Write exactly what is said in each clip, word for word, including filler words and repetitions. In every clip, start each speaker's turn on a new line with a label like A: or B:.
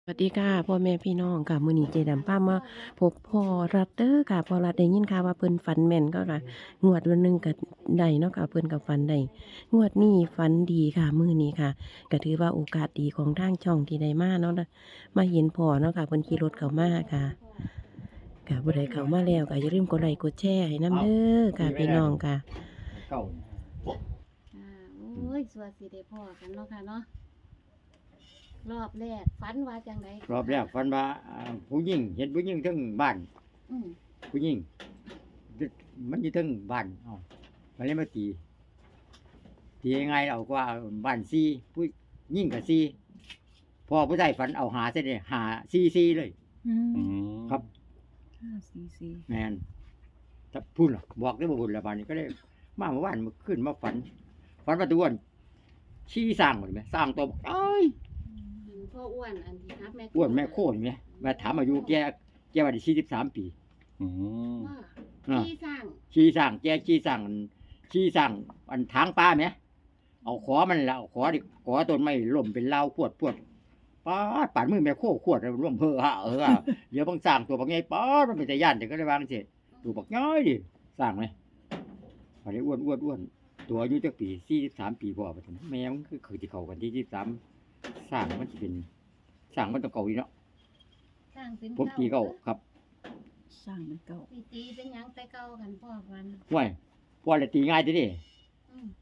A: สวัสดีค่ะพ่อแม่พี่น้องค่ะมื้อนี้เจดํพามาพบพ่อรัฐเด้อค่ะพ่อรัฐได้ยินข่าวว่าเพิ่นฝันแม่นก็ค่ะงวดวันหนึ่งก็ได้เนาะค่ะเพิ่นก็ฝันได้งวดนี้ฝันดีค่ะมื้อนี้ค่ะก็ถือว่าโอกาสดีของทางช่องที่ได้มาเนาะมาเห็นพ่อเนาะค่ะเพิ่นขี่รถเข้ามาค่ะค่ะผู้ใดเข้ามาแล้วก็อย่าลืมกดไลค์กดแชร์ให้นำเด้อค่ะพี่น้องค่ะ
B: เก่า
C: อ่าโอ้ยสวัสดีได้พ่อกันเนาะค่ะเนาะรอบแรกฝันว่าจังได
B: รอบแรกฝันว่าอ่าผู้หญิงเห็นผู้หญิงทั้งบ้าน
C: อืม
B: ผู้หญิงมันอยู่ทั้งบ้านเอ้ามันเลยมาตีตียังไงเอาก็ว่าบ้านซีผู้หญิงกับซีพอผู้ชายฝันเอาหาเส้นเลยหาซีซีเลย
C: อืม
D: อืม
B: ครับ
C: ห้าสี่สี่
B: แมนถ้าพูดหรอบอกได้บ่บุญละบานนี้ก็ได้มาเมื่อวานมาขึ้นมาฝันฝันว่าตัวอ้วนชี้สร้างหมดไหมสร้างตัวบอกเอ้ย
C: อันพ่ออ้วนอันที่ครับแม่
B: อ้วนแม่โคตรไหมมาถามอายุแกแกว่าได้สี่สิบสามปี
D: อืม
C: ว่า
B: อ่า
C: ที่สร้าง
B: ชี้สั่งแกชี้สั่งชี้สั่งอันทางป้าไหมเอาขอมันแล้วขอดิขอต้นไม้ล่มเป็นเล้าปวดปวดป้าดป่านมือแม่โคขวดร่วมเพอฮะเออเดี๋ยวบางสั่งตัวบางไงป้าดมันเป็นแต่ย่านแต่ก็ได้วางเสร็จตัวบักน้อยดิสั่งไหมอันนี้อ้วนอ้วนอ้วนตัวอายุจักปีสี่สิบสามปีพอปะถึงแม่มันคือคือที่เขากันที่ยี่สิบสามสั่งมันจะเป็นสั่งมันต้องเก่าอีกเนาะ
C: สร้างเป็น
B: ผมตีเก่าครับ
E: สร้างเป็นเก่า
C: ตีตีเป็นหยังแต่เก่ากันพ่อวัน
B: ห่วยพอเลยตีง่ายทีเดิ
C: อืม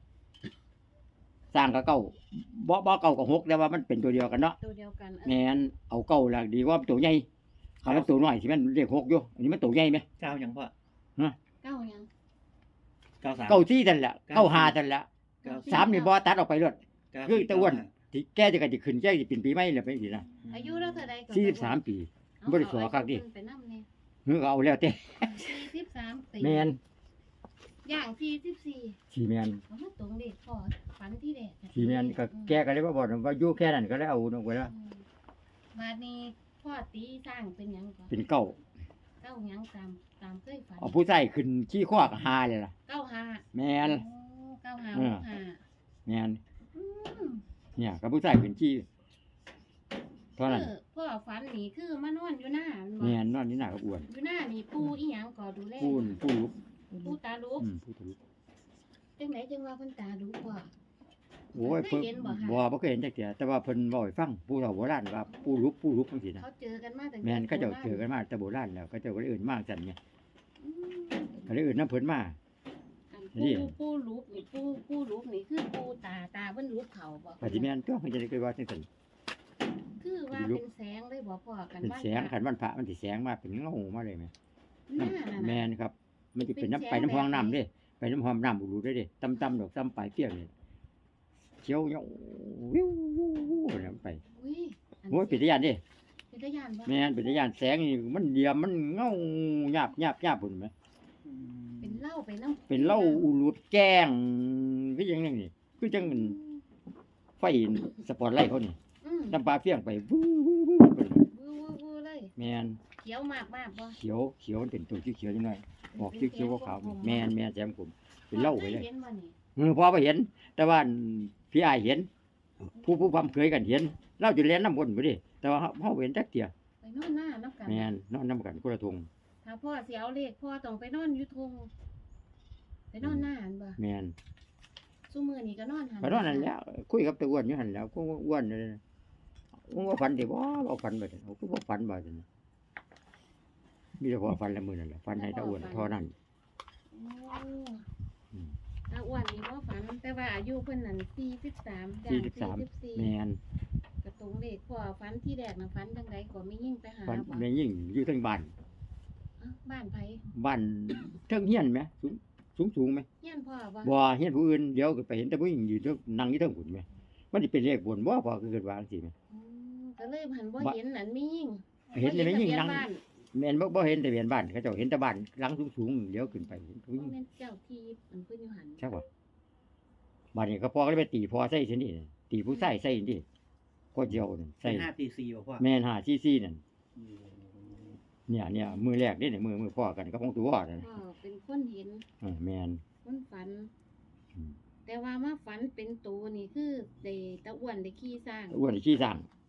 B: สร้างกับเก่าบ่บ่เก่ากับหกแต่ว่ามันเป็นตัวเดียวกันเนาะ
C: ตัวเดียวกันเออ
B: แม่นเอาเก่าละดีกว่าตัวใหญ่คันมันตัวน้อยสิมันเลขหกอยู่อันนี้มันตัวใหญ่ไหม
E: เก้ายังพ่อ
C: เก้าหยัง
E: เก้าสาม
B: เก่าซี่ทันละเก่าหาทันละ
E: เก้า
B: สามนี่บ่ตัดออกไปเลย
E: เก้า
B: คือตะอ้วนที่แกจะกันจะขึ้นแกจะเป็นปีใหม่เลยไปสินะ
C: อายุเราเท่าใดก่อน
B: สี่สิบสามปี
C: เา
B: บ่ได้สอคักดิ
C: เอาอายุเพิ่นไปนำเนี่ย
B: เฮือเอาแล้วแต่
C: สี่สิบสามปี
B: แม่น
C: อย่างสี่สิบสี่
B: สีแม่น
C: เอามาตรงเด็กพ่อฝันที่เด็ก
B: สีแม่นก็แกก็เลยว่าบอกว่าอยู่แค่นั้นก็เลยเอาลงไปแล้ว
C: อืมบัดนี้พ่อตีสร้างเป็นหยังก่อน
B: เป็นเก่า
C: เก้าหยังตามตามเคยฝัน
B: เอาผู้ใส่ขึ้นขี้ข้อก็หาเลยล่ะ
C: เก้าห้า
B: แม่น
C: โอ้เก้าห้า
B: เอ
C: ห
B: อ
C: กห้า
B: แม่น
C: อืม
B: เนี่ยกับผู้ใส่ขึ้นขี้เท่านั้น
C: คือพ่อฝันนี่คือมานอนอยู่หน้าแม่นบ่
B: แม่นนอนนี่หน้าก็อ้วน
C: อยู่หน้านี่ปูอีหยังก็ดูแล
B: ปูนปูลุก
C: ปูตาลุก
B: อืมปูทะลุ
C: จังไหนจังว่าเพิ่นตาลุกพ่อ
B: โอ้ย
C: เค
B: เพิ่
C: ย
B: น
C: เห็นบ่คะ
B: บ่บ่เคยเห็นจักเที่ยแต่ว่าเพิ่นเว้าให้ฟังผู้เฒ่าโบราณว่าปูลุกปูลุกจังซี่นะ
C: เขาเจอกันมาตั้ง
B: แม่น
C: แต่
B: เขาเจ้า
C: โบรณ
B: เจอกันมาแต่โบราณแล้วเขาเจ้าก็เลยเอิ้นมาซั่นไง
C: อืม
B: ก็เลยเอิ้นนํเพิ่นมา
C: อัน
B: นี่
C: ปูปูลุกนี่ปูปูลุกนี่คือปูตาตาเพิ่นลุกเขาบ่
B: ก็สิแม่นตัวเพิ่นจะได้เคยว่าจังซั่น
C: คือว่า
B: ลุก
C: เป็นแสงเลยบ่พ่อกัน
B: เป็น
C: บ้าน
B: แสงคันวันพระมันสิแสงมาเป็นเงามาเลยแม่
C: หน้านั่น
B: แม่
C: น่ะ
B: นครับ มันจะเป็นน้ำ
C: เป็นแสง
B: ไปน้ำห้อง
C: แบบไหน
B: น้ำเด้ไปน้ำห้องน้ำอุรุเด้เด้ต่ำๆดอกต่ำปลายเปรี้ยวนี่เขียวเหี่ยววิววิววิวเนี่ยมันไป
C: อุ้ยอัน
B: โอ้ยเป็นตาย่านเด้
C: เป็นตาย่านบ่
B: แม่นเป็นตาย่านแสงนี่มันเดียมมันเงาหยาบหยาบหยาบพุ่นแม่
C: เป็นเหล้าไปน้ำ
B: เป็นเหล้าอุรุดแกล้งคือจังนั้นนี่คือจังไฟสปอตไลท์เขานี่
C: อืม
B: น้ำปลาเฟี้ยงไปวู้วู้วู้ไป
C: วู้วู้วู้เลย
B: แม่น
C: เขียวมากมากบ่
B: เขียวเขียวมันเป็นตัวเขียวๆจังหน่อยออกเขียวๆขาวๆแม่นแม่นแซมผมเป็นเหล้าไปเลย
C: เห็นบ่นี่
B: เออพอไปเห็น แต่ว่าพี่อายเห็น ผู้ผู้พำเคยกันเห็นเราจะเลี้ยนน้ำบนไปดิแต่ว่าเขาเห็นจักเตีย
C: ไปนอนหน้าน้ำกัน
B: แม่นนอนน้ำกันกุละทง
C: ถ้าพ่อสิเอาเลขพ่อต้องไปนอนอยู่ทงไปนอนหน้าหันบ่
B: แม่น
C: ซุมื้อนี้ก็นอนหัน
B: ไปนอนนั่นแหล้วคุยกับตะอ้วนอยู่หันแหล้วก็อ้วนเลยมึงว่าฝันดิบ่บ่ฝันบ่ได้กูบ่ฝันบ่ได้มีแต่พอฝันละมื้อนั่นแหละฝันให้ตะอ้วนเท่านั้น
C: โอ้
B: อืม
C: ตาอ้วนนี่บ่ฝันแต่ว่าอายุเพิ่นนั่นสี่สิบสามย่าง
B: สี่สิบสาม
C: สี่สิบสี่
B: แม่น
C: กระตรงเลขพ่อฝันที่แรกน่ะฝันจังไดก็ไม่ยิ่งไปหา
B: ฝัน
C: บ่
B: แม่ยิ่งอยู่ทั้งบ้าน
C: เอ้าบ้านไผ
B: บ้านเทิงเฮียนไหมสูงสูงสูงไหม
C: เฮียนพ่อบ่
B: บ่เฮียนผู้อื่นเดี๋ยวก็ไปเห็นแต่ผู้หญิงอยู่เทิงนั่งอยู่เทิงหุ่นไหมมันสิเป็นเลขบนบ่พอคือเกิดว่าจังซี่ไหม
C: อืมก็เลยหันบ่
B: บ่
C: เห็นนั่นมียิ่ง
B: เห็นแต่ไม่ยิ่ง
C: บ่
B: นั่ง
C: เห็ทะเบียบ้าน
B: แม่นบ่บ่เห็นทะเบียนบ้านเขาเจ้าเห็นแต่บ้านหลังสูงๆเดี๋ยวขึ้นไปเห็นผู้ห
C: บ่
B: ญิง
C: แม่นเจ้าที่มันเพิ่นอยู่หัน
B: ใช่ป่ะบ้านนี้ก็พ่อก็เลยไปตีพ่อใส่ซินี่ตีผู้ใส่ใส่นี่ก็เดียวนั่น
E: ใช่
B: ใส่
E: ห้าตีสี่บ่พ่อ
B: แม่นหาซีซีนั่น
E: อืม
B: เนี่ยเนี่ยมือแรกนี่เนี่ยมือมือพ่อกันก็ของตัวนั่น
C: พ่อเป็นคนเห็น
B: เออแม่น
C: คนฝัน
B: อืม
C: แต่ว่ามาฝันเป็นตัวนี่คือได้ตะอ้วนได้ขี้สร้าง
B: อ้วนขี้สั่ง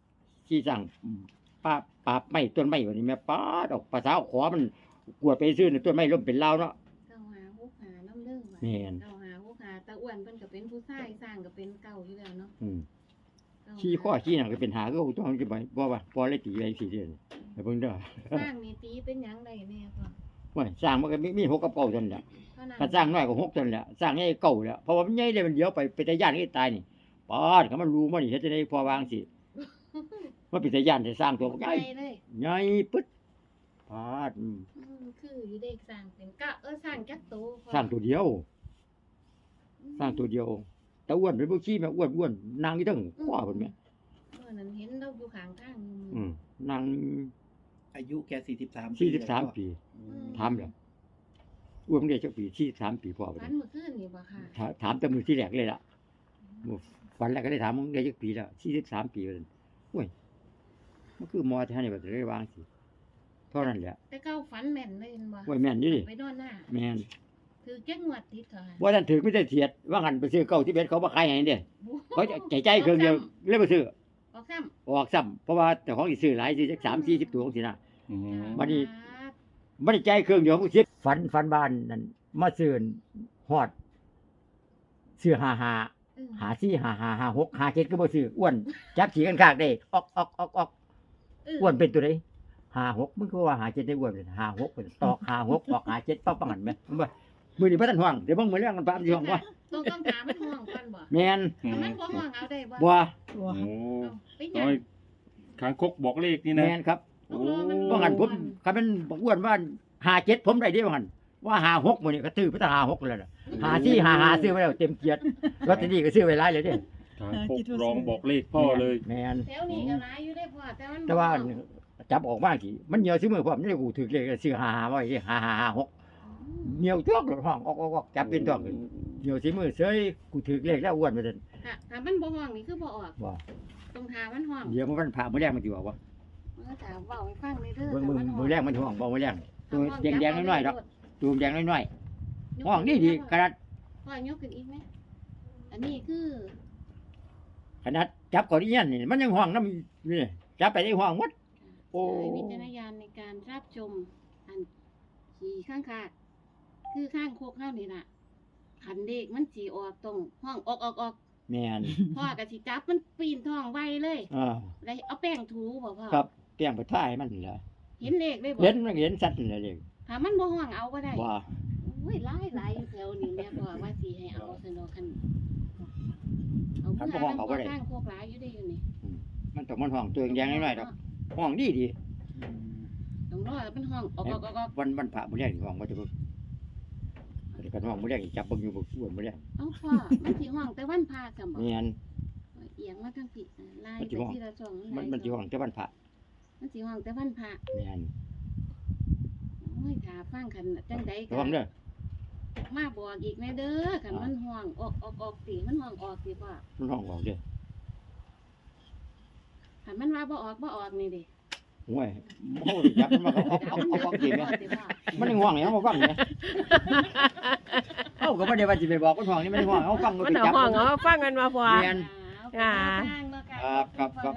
B: ชี้สั่งป้าปราบไม้ต้นไม้วันนี้แม่ป้าดอกภาษาขอมันกวดไปซื้อในต้นไม้ล้มเป็นลาวเนาะ
C: เก้าหาหกหาน้ำเรื่องว่ะ
B: แม่น
C: เก้าหาหกหาตาอ้วนเพิ่นก็เป็นผู้ชายสร้างก็เป็นเก่าอยู่แล้วเนาะ
B: อืม
C: เก้า
B: ชี้ข้อชี้หนังก็เป็นหาก็ต้องจะไปบ่ว่าพอเลยตีไปสี่เดือนแต่เพิ่งเด้อ
C: สร้างนี่ตีเป็นหยังได้แน่พ่อ
B: ว่าสร้างมันก็มีมีหกกับเก้าเท่านั้นแหละ
C: เท่านั้น
B: ถ้าสร้างน้อยกว่าหกเท่านั้นแหละสร้างใหญ่เก้าแหละเพราะว่ามันใหญ่เลยมันเดียวไปเป็นตาย่านให้ตายนี่ปอดก็มันรู้มันนี่เฮ็ดจะได้พอวางสิมันเป็นตาย่านจะสร้างตัวใหญ่
C: ใหญ่เลย
B: ใหญ่ปึ๊ดปอดอืม
C: อืมคืออยู่เด็กสร้างเป็นกะเออสร้างจักโตพ่อ
B: สร้างตัวเดียว สร้างตัวเดียวแต่อ้วนเป็นพวกขี้แม่อ้วนอ้วนนางนี่ทั้งข้อเพิ่นแม่
C: เมื่อนั้นเห็นเราอยู่ข้างทางอยู่
B: อืมนาง
E: อายุแกสี่สิบสาม
B: สี่สิบสามปีถามแล้วอ้วนมันได้จักปีสี่สิบสามปีพ่อ
C: ฝั
B: เพิ่
C: น
B: น
C: เมื่อคืนนี่บ่ค่ะ
B: ถาถามแต่มือที่แรกเลยล่ะมื้อฝันแรกก็ได้ถามมึงได้จักปีแล้วสี่สิบสามปีว่าซั่นโอ้ยมันคือมอท่านนี่ว่าจะได้วางสิเท่านั้นแหละ
C: แต่เก้าฝันแม่นเลยเห็นบ่
B: โอ้ยแม่นอยู่ดิ
C: ไปนอนหน้า
B: แม่น
C: คือแก้งวดติดเถอะ
B: บ่ทันถือไม่ได้เสียดว่างันไปซื้อเก้าที่เบ็ดเขาบ่ขายให้เด้เขาจะใจใจเครื่องเดียวเลยบ่ซื้อ
C: ออกซ้ำ
B: ออกซ้ำเพราะว่าเจ้าของสิซื้อหลายสิจักสามสี่สิบตัวจังซี่นะ
D: อืม
B: วันนี้ บ่ได้ใจเครื่องเดียวเขาเสียฝันฝันบ้านนั่นมาซื้อฮอดซื้อห้าห้า
C: อืม
B: หาสี่หาหาหาหกหาเจ็ดก็บ่ซื้ออ้วนจับขี่กันคากได้ออกออกออกออก
C: เ
B: อ้วนเป็นตัวใดหาหกมึงก็ว่าหาเจ็ดได้อ้วนเป็นหาหกเป็นตอกหาหกออกหาเจ็ดปั๊บปังหันไหมมึงว่ามือนี้บ่ทันห่วงเดี๋ยวมึงมื้อเรื่องกันปามสิห่วงว่า
C: ต้องต้องถามมันห่วงก่อนบ่
B: แม่น
D: อื
C: ถ้าม มันบ่ห่วงเอาได้บ่
B: บ่
E: ตัว
D: โอ้
C: เอาไปหยั
D: น้
C: ง
D: อยคางคกบอกเลขนี่นะ
B: แม่นครับ
C: ต้องรอมัน
B: ว่างั้นผมคันมันบอกอ้วนว่าหาเจ็ดผมได้เด้ว่างั้นว่าหาหกมื้อนี้ก็ซื้อไปตั้งหาหกแล้วน่ะหาสี่หาหาซื้อไว้แล้วเต็มเกียรติลอตเตอรี่ก็ซื้อไว้หลายเลยเด้
D: คางคกร้องบอกเลขพ่อเลย
B: แม่น
C: แถวนี้ก็หลายอยู่ได้พ่อแต่มัน
B: แต่ว่า
C: บ่ห่ง
B: จับออกมาสิมันเหนียวซื้อมือพร้อมนี่กูถือเลขซื้อหาหาไว้หาหาหาหกเหนียวจ้วงหลดห้องออกออกออกจับเป็นจ้วงเหนียวซื้อมือเสยกูถือเลขแล้วอ้วนไปซั่น
C: ถ้าถ้ามันบ่ห่วงนี่คือบ่ออก
B: บ่
C: ต้องถามมันห่วง
B: เดี๋ยวมันผ่ามื้อแรกมันสิบอกว่า
C: เออถามเว้าให้ฟังเลยเด้อ
B: เบิ่งมือ
C: ถ้าห่ว
B: มือแรกมันห่วงบ่มื้อแรกตัว
C: ถ้า
B: แดงๆน้อยๆดอกตัวแดงน้อยๆห้องนี่ดีขนาด
C: พ่อยกขึ้นอีกไหมอันนี้คือ
B: ขนาดจับก่อนอีหยันนี่มันยังห้องนำนี่จับไปได้ห้องหมด โอ้
C: ใช้วิจารณญาณในการรับชมอันขี่ข้างคากคือข้างโคกเฮานี่ล่ะขันเด็กมันสีออกตรงห้องออกออกออก
B: แม่น
C: พ่อก็สิจับมันปีนท้องไวเลย
B: อ่า
C: เลยเอาแป้งถูบ่พ่อ
B: ครับเตรียมไปท่ายมันนี่ล่ะ
C: เห็นเลขเลยบ่
B: เห็นมันเห็นสัตว์นี่แหละเลข
C: ถ้ามันบ่ห่วงเอาก็ได้
B: ว่า
C: โอ้ยหลายหลายอยู่แถวนี้แม่พ่อว่าสิให้เอาสนอคันเอาเพื่อเอาข้างโคกหลายอยู่ได้อยู่นี่
B: มันต้องมันห้องตัวแดงน้อยๆดอกห้องดีดี
C: ต้องรอให้มันห้องออกออกออกออก
B: วันวันพระมื้อแรกนี่ห้องว่าจะเบิ่งเดี๋ยวกันห้องมื้อแรกนี่จับเบิ่งอยู่บ่อ้วนมื้อแรก
C: เอาพ่อมันสิห้องแต่วันพาจังบ่
B: แม่น
C: เอียงมาทางผิดไล่
B: มัน
C: ไป
B: สิห้อง
C: ทีละช่อง
B: มันมันสิห้องแต่วันพระ
C: มันสิห้องแต่วันพระ
B: แม่น
C: โอ้ยถ้าฟังคันจังใด
B: ระวังเด้อ
C: มาบอกอีกแม่เด้อคันมันห้องออกออกออกสิมันห้องออกสิพ่อ
B: มันห้องออกเด้อ
C: คันมันว่าบ่ออกบ่ออกนี่ดิ
B: โอ้ยโอ้ยจับมันมาเอาเอาเอาเอากินแม่มันยังห้องอย่างมาฟังเนี่ยเอ้าก็บ่ได้ว่าสิไปบอกมันห้องนี่มันห้องเอาฟัง
A: มัน
B: ไป
A: เอา
B: จับ
A: ห้องเอาฟังกันมาพอ
B: แม่น
A: อ่า
B: ครับครับครับ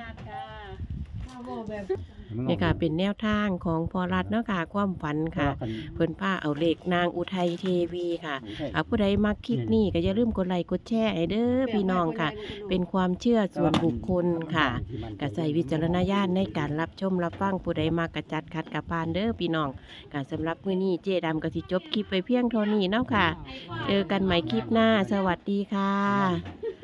A: นี่ค่ะเป็นแนวทางของพอรัฐเนาะค่ะความฝันค่ะ เพิ่นป้าเอาเลขนางอุทัยเทวีค่ะเอาผู้ใดมักคลิปนี้ก็อย่าลืมกดไลค์กดแชร์ให้เด้อพี่น้องค่ะ เป็นความเชื่อส่วนบุคคลค่ะก็ใส่วิจารณญาณในการรับชมรับฟังผู้ใดมากกระจัดขัดกระปานเด้อพี่น้องก็สำหรับมื้อนี้เจดำก็สิจบคลิปไปเพียงเท่านี้เนาะค่ะ เจอกันใหม่คลิปหน้าสวัสดีค่ะ